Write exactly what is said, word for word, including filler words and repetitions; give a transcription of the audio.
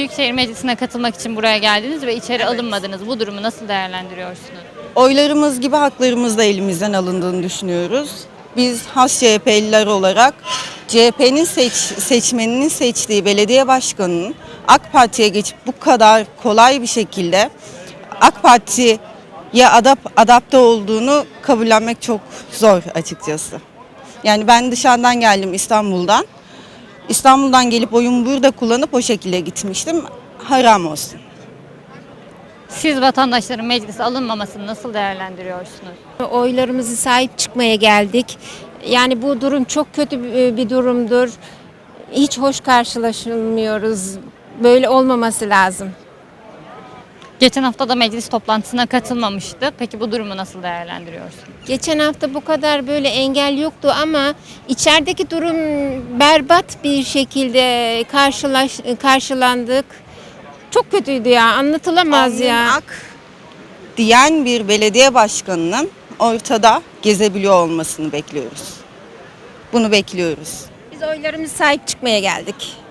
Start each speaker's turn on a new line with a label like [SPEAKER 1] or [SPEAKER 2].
[SPEAKER 1] Büyükşehir Meclisi'ne katılmak için buraya geldiniz ve içeri alınmadınız. Bu durumu nasıl değerlendiriyorsunuz?
[SPEAKER 2] Oylarımız gibi haklarımız da elimizden alındığını düşünüyoruz. Biz has C H P'liler olarak C H P'nin seç, seçmeninin seçtiği belediye başkanının AK Parti'ye geçip bu kadar kolay bir şekilde AK Parti'ye adap, adapte olduğunu kabullenmek çok zor açıkçası. Yani ben dışarıdan geldim, İstanbul'dan. İstanbul'dan gelip oyumu burada kullanıp o şekilde gitmiştim. Haram olsun.
[SPEAKER 1] Siz vatandaşların meclise alınmamasını nasıl değerlendiriyorsunuz?
[SPEAKER 3] Oylarımızı sahip çıkmaya geldik. Yani bu durum çok kötü bir durumdur. Hiç hoş karşılaşılmıyoruz. Böyle olmaması lazım.
[SPEAKER 1] Geçen hafta da meclis toplantısına katılmamıştı. Peki bu durumu nasıl değerlendiriyorsunuz?
[SPEAKER 3] Geçen hafta bu kadar böyle engel yoktu ama içerideki durum berbat bir şekilde karşılaş, karşılandık. Çok kötüydü ya, anlatılamaz
[SPEAKER 2] Alnın
[SPEAKER 3] ya.
[SPEAKER 2] ak diyen bir belediye başkanının ortada gezebiliyor olmasını bekliyoruz. Bunu bekliyoruz.
[SPEAKER 3] Biz oylarımızı sahip çıkmaya geldik.